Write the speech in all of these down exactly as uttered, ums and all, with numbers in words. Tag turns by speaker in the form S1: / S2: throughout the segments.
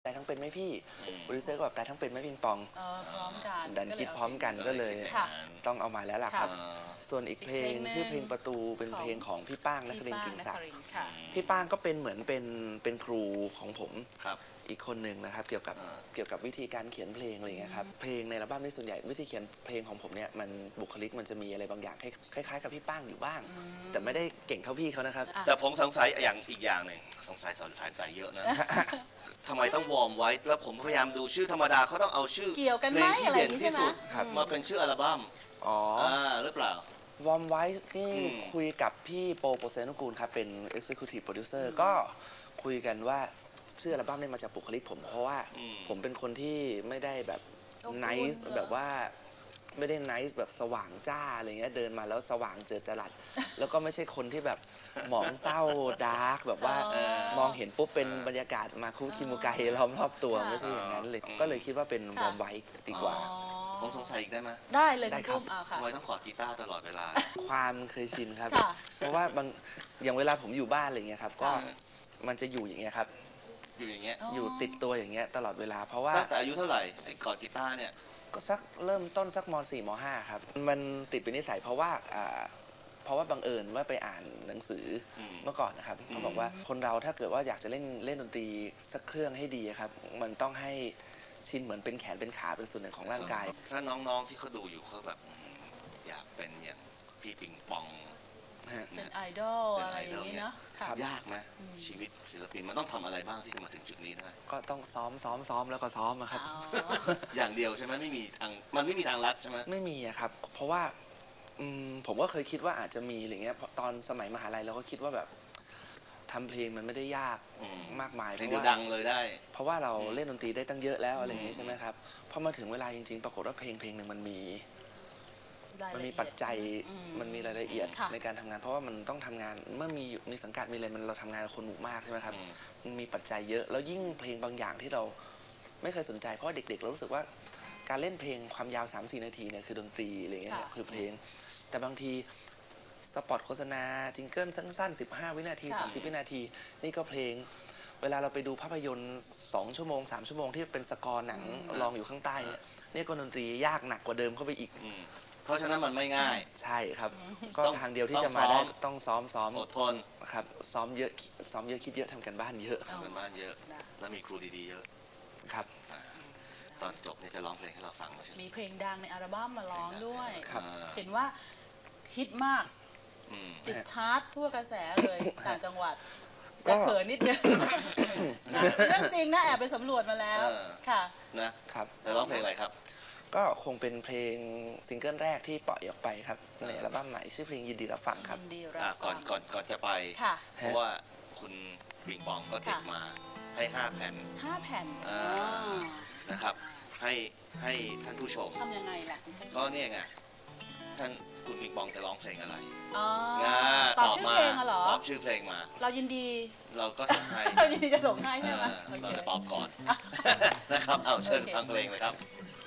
S1: ตายทั้งเป็นไหมพี่โปรดิวเซอร์ก็แบบตายทั้งเป็นไหมปิงปอง
S2: พร้อมกัน
S1: ดันคิดพร้อมกันก็เลยต้องเอามาแล้วล่ะครับส่วนอีกเพลงชื่อเพลงประตูเป็นเพลงของพี่ป้างนครินทร์กิ่งศักดิ์พี่ป้างก็เป็นเหมือนเป็นเป็นครูของผมอีกคนหนึ่งนะครับเกี่ยวกับเกี่ยวกับวิธีการเขียนเพลงอะไรอย่างเงี้ยครับเพลงในอัลบั้มนี้ส่วนใหญ่วิธีเขียนเพลงของผมเนี่ยมันบุคลิกมันจะมีอะไรบางอย่างคล้ายๆกับพี่ป้างอยู่บ้างแต่ไม่ได้เก่งเท่าพี่เขานะครับ
S3: แต่ผมสงสัยอย่างอีกอย่างหนึ่งสงสัยสอนสายใจเยอะนะทำไมต้องวอร์มไว้แล้วผมพยายามดูชื่อธรรมดาเขาต้องเอาชื่อเพลงที่เด่นที่สุดมาเป็นชื่ออัลบั้มอ๋อหรือเปล่าว
S1: อร์มไว้นี่คุยกับพี่โปโปเซนุกูลครับเป็น Executive Producer ก็คุยกันว่าชื่ออัลบั้มนี้มาจากบุคลิกผมเพราะว่าผมเป็นคนที่ไม่ได้แบบ nice แบบว่าไม่ได้ไนซ์แบบสว่างจ้าอะไรเงี้ยเดินมาแล้วสว่างเจิดจรัสแล้วก็ไม่ใช่คนที่แบบหมองเศร้าดาร์กแบบว่ามองเห็นปุ๊บเป็นบรรยากาศมาคุคิมุไกล้อมรอบตัวไม่ใช่อย่างนั้นเลยก็เลยคิดว่าเป็นวอร์มไว้ดีกว่า
S3: ผมสงสัยอีกได้ไหม
S2: ได้เลย
S1: ได้ครับ
S3: ทำไมต้องกอดกีตาร์ตลอดเวลา
S1: ความเคยชินครับเพราะว่าบางอย่างเวลาผมอยู่บ้านอะไรเงี้ยครับก็มันจะอยู่อย่างเงี้ยครับ
S3: อยู่อย่างเงี้ย
S1: อยู่ติดตัวอย่างเงี้ยตลอดเวลาเพราะว่า
S3: ตั้งแต่อายุเท่าไหร่ไอ้กอดกีตาร์เนี่ย
S1: ก็สักเริ่มต้นสักม สี่ ม ห้าครับมันติดเป็นนิสัยเพราะว่าเพราะว่าบังเอิญว่าไปอ่านหนังสือเมื่อก่อนนะครับเขาบอกว่าคนเราถ้าเกิดว่าอยากจะเล่นเล่นดนตรีสักเครื่องให้ดีครับมันต้องให้ชินเหมือนเป็นแขนเป็นขาเป็นส่วนหนึ่งของร่างกาย
S3: ถ้าน้องๆที่เขาดูอยู่เขาแบบอยากเป็นอย่างพี่ปิงปอง
S2: เป็นไอดอลอะไรอย่างนี้เนาะ
S3: ยากไหมชีวิตศิลปินมันต้องทำอะไรบ้างที่จะมาถึงจุดนี้ได้
S1: ก็ต้องซ้อมซ้อมซ้อมแล้วก็ซ้อมครับ
S3: อย่างเดียวใช่ไหมไม่มีทางมันไม่มีทางลัดใช่ไหม
S1: ไม่มีครับเพราะว่าผมก็เคยคิดว่าอาจจะมีอะไรเงี้ยตอนสมัยมหาลัยเราก็คิดว่าแบบทำเพลงมันไม่ได้ยากมากมาย
S3: เพลงดังเลยได้
S1: เพราะว่าเราเล่นดนตรีได้ตั้งเยอะแล้วอะไรอย่างนี้ใช่ไหมครับพอมาถึงเวลาจริงๆปรากฏว่าเพลงเพลงหนึ่งมันมีมันมีปัจจัยมันมีรายละเอียดในการทำงานเพราะว่ามันต้องทำงานเมื่อมีมีสังกัดมีอะไรมันเราทำงานกับคนหมู่มากใช่ไหมครับมันมีปัจจัยเยอะแล้วยิ่งเพลงบางอย่างที่เราไม่เคยสนใจเพราะเด็กๆเรารู้สึกว่าการเล่นเพลงความยาว สามถึงสี่ นาทีเนี่ยคือดนตรีอะไรเงี้ยคือเพลงแต่บางทีสปอตโฆษณาจิงเกิลสั้นๆสิบห้าวินาทีสามสิบวินาทีนี่ก็เพลงเวลาเราไปดูภาพยนตร์สองชั่วโมงสามชั่วโมงที่เป็นสกอร์หนังลองอยู่ข้างใต้เนี่ยนี่ก็ดนตรียากหนักกว่าเดิมเข้าไปอีก
S3: เพราะฉะนั้นมันไม่ง่าย
S1: ใช่ครับก็ทางเดียวที่จะมาได้ต้องซ้อมซ้อม
S3: อดทน
S1: ครับซ้อมเยอะซ้อมเยอะคิดเยอะทำกันบ้านเยอะ
S3: ทำกันบ้านเยอะแล้วมีครูดีๆเยอะ
S1: ครับ
S3: ตอนจบเนี่ยจะร้องเพลงให้เราฟัง
S2: มีเพลงดังในอัลบั้มมาร้องด้วย
S1: ครับ
S2: เห็นว่าฮิตมากติดชาร์ตทั่วกระแสเลยต่างจังหวัดจะเขินนิดนึงเรื่องจริงนะแอบไปสำรวจมาแล้วค่ะ
S3: นะครับจะร้องเพลงอะไรครับ
S1: ก็คงเป็นเพลงซิงเกิลแรกที่ปล่อยออกไปครับในอัลบั้มใหม่ชื่อเพลงยินดีรับฟังครับ
S3: ก่อนก่อนก่อนจะไปเพราะว่าคุณปิงปองก็เก็บมาให้ห้าแผ่น
S2: ห้าแผ่น
S3: นะครับให้ให้ท่านผู้ชม
S2: ทำยังไงล่ะ
S3: ก็เนี่ยไงท่านคุณปิงปองจะร้องเพลงอะไร
S2: ตอบชื่อเพลงเหรอ
S3: ตอบชื่อเพลงมา
S2: เรายินดี
S3: เราก็ส่งให้
S2: เรายินดีจะส่งให้ใช่ไหม
S3: เราจะตอบก่อนนะครับเอาเชิญฟังเพลงเลยครับ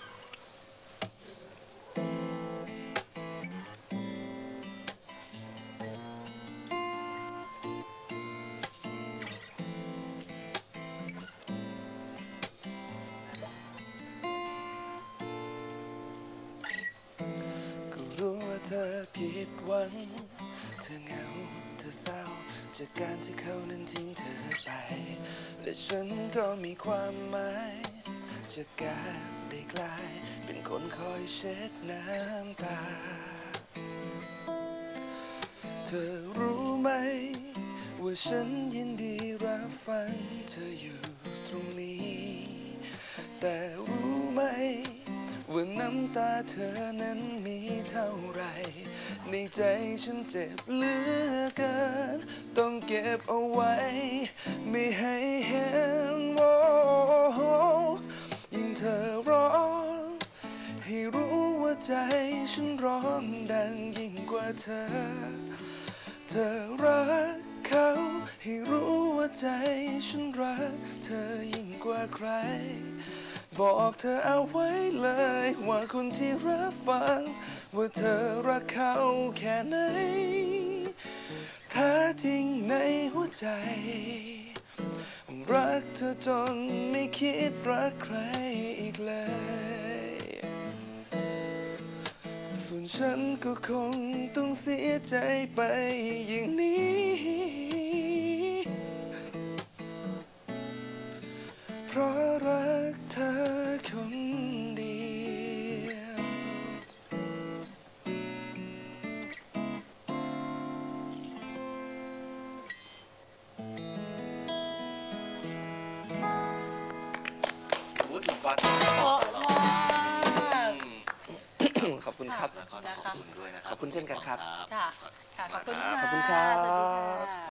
S1: รู้ว่าเธอผิดหวังเธอเหงาเธอเศร้าจากการที่เขานั้นทิ้งเธอไปและฉันก็มีความหมายจากการได้กลายเป็นคนคอยเช็ดน้ำตาเธอรู้ไหมว่าฉันยินดีรับฟังเธออยู่ตรงนี้แต่รู้ไหมว่าน้ำตาเธอนั้นมีเท่าไรในใจฉันเจ็บเหลือเกินต้องเก็บเอาไว้ไม่ให้เห็นว่ายิ่งเธอร้องให้รู้ว่าใจฉันร้องดังยิ่งกว่าเธอเธอรักเขาให้รู้ว่าใจฉันรักเธอยิ่งกว่าใครบอกเธอเอาไว้เลยว่าคนที่รับฟังว่าเธอรักเขาแค่ไหนแท้จริงในหัวใจรักเธอจนไม่คิดรักใครอีกเลย ส่วนฉันก็คงต้องเสียใจไปอย่างนี้ เพราะรักเธอคนเดียว
S3: โอ้ยคุณก๊อต
S2: เพราะมาก
S1: ขอบคุณครับ
S3: แล้วก็ต้องขอบคุณด้วยนะครับ
S1: ขอบคุณเช่นกันครับ
S2: ค่ะ ค่ะ ขอบคุณ
S3: ขอบ
S2: ค่ะ
S1: คุณครับ
S2: สวัสดีค่ะ